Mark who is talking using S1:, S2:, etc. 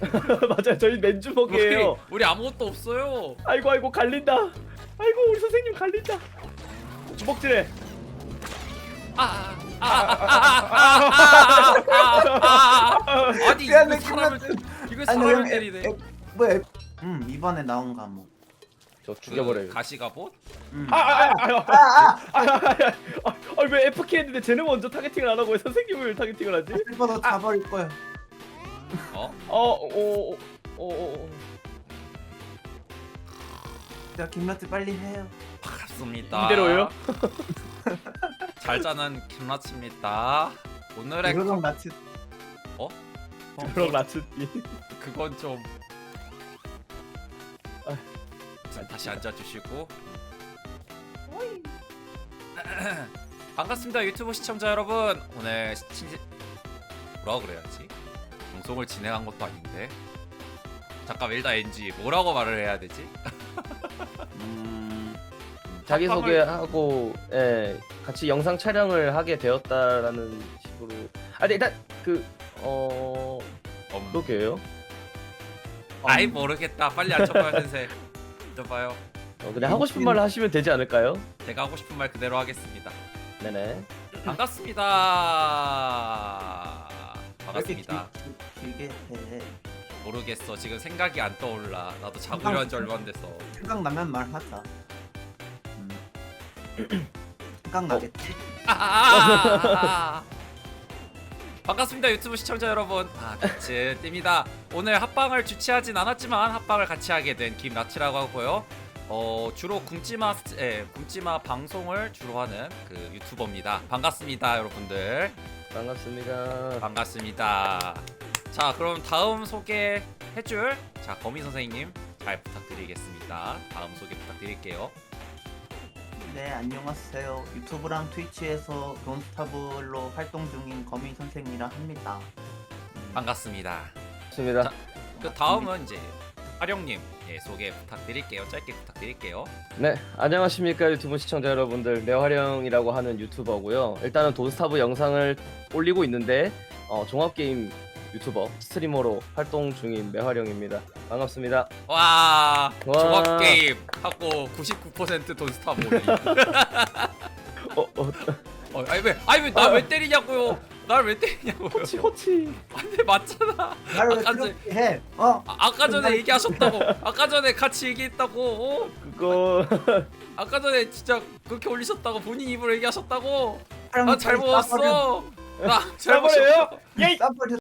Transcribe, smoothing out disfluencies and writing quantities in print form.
S1: 맞아요. 저희 맨주먹이에요.
S2: 우리 아무것도 없어요.
S1: 아이고 갈린다. 아이고 우리 선생님 갈린다. 주먹질해.
S2: 아니
S3: 미안해,
S2: 이거 사람을 이거
S3: 아니,
S2: 사람을
S3: 왜
S2: 때리네.
S3: 뭐야? 이번에 나온 과목.
S1: 저 죽여버려요.
S2: 그 가시가봇?
S1: 왜 FK 했는데 쟤는 먼저 타겟팅을 안 하고 왜 선생님을 타겟팅을 하지?
S3: 실버도 잡아버릴 거야.
S2: 어?
S3: 자, 김라트 빨리 해요.
S2: 반갑습니다.
S1: 이대로요?
S2: 잘 자는 김라치입니다. 오늘의
S3: 그러던 라츠.
S1: 그럼 라츠띠.
S2: 그건 좀 자, 다시 앉아주시고 반갑습니다 유튜브 시청자 여러분. 오늘 뭐라고 그래야지? 방송을 진행한 것도 아닌데 잠깐 일단 NG 뭐라고 말을 해야 되지?
S1: 자기 소개하고 같이 영상 촬영을 하게 되었다라는 식으로. 아니 일단 그게요.
S2: 아이 모르겠다. 빨리 앉혀봐요 센세. 앉아봐요.
S1: 그냥 하고 싶은 말을 하시면 되지 않을까요?
S2: 제가 하고 싶은 말 그대로 하겠습니다.
S1: 네네.
S2: 반갑습니다. 반갑습니다.
S3: 길게 해.
S2: 모르겠어. 지금 생각이 안 떠올라. 나도 자고 일어난 지 얼마 안 돼서.
S3: 생각나면 말하자. 생각나겠지?
S2: 반갑습니다 유튜브 시청자 여러분. 같이 띠입니다. 오늘 합방을 주최하진 않았지만 합방을 같이 하게 된 김라치라고 하고요. 주로 굶지마 방송을 주로 하는 그 유튜버입니다. 반갑습니다 여러분들.
S1: 반갑습니다.
S2: 반갑습니다. 자 그럼 다음 소개해줄 거미 선생님 잘 부탁드리겠습니다. 다음 소개 부탁드릴게요.
S3: 네, 안녕하세요. 유튜브랑 트위치에서 돈스타블로 활동 중인 거미 선생이라 합니다.
S2: 반갑습니다.
S1: 반갑습니다.
S2: 자, 그 다음은 이제 하령님 소개 부탁드릴게요. 짧게 부탁드릴게요.
S1: 네, 안녕하십니까 유튜브 시청자 여러분들. 매화령이라고 하는 유튜버고요. 일단은 돈스타브 영상을 올리고 있는데 종합게임 유튜버 스트리머로 활동 중인 매화령입니다. 반갑습니다.
S2: 와
S1: 와.
S2: 종합 게임 하고 99% 돈스타 모리. 아니 왜 나 왜 때리냐고요? 날 왜 때리냐고요?
S1: 호치.
S2: 안돼 맞잖아.
S3: 나를 왜
S2: 아까
S3: 그렇게 해?
S2: 아까 전에 얘기하셨다고. 아까 전에 같이 얘기했다고.
S1: 그거
S2: 아까 전에 진짜 그렇게 올리셨다고 본인 입으로 얘기하셨다고.
S3: 촬영
S2: 나 잘 먹었어. 나 잘
S1: 잘버려요?
S2: 먹었어.
S1: 예이.
S3: 싸버려.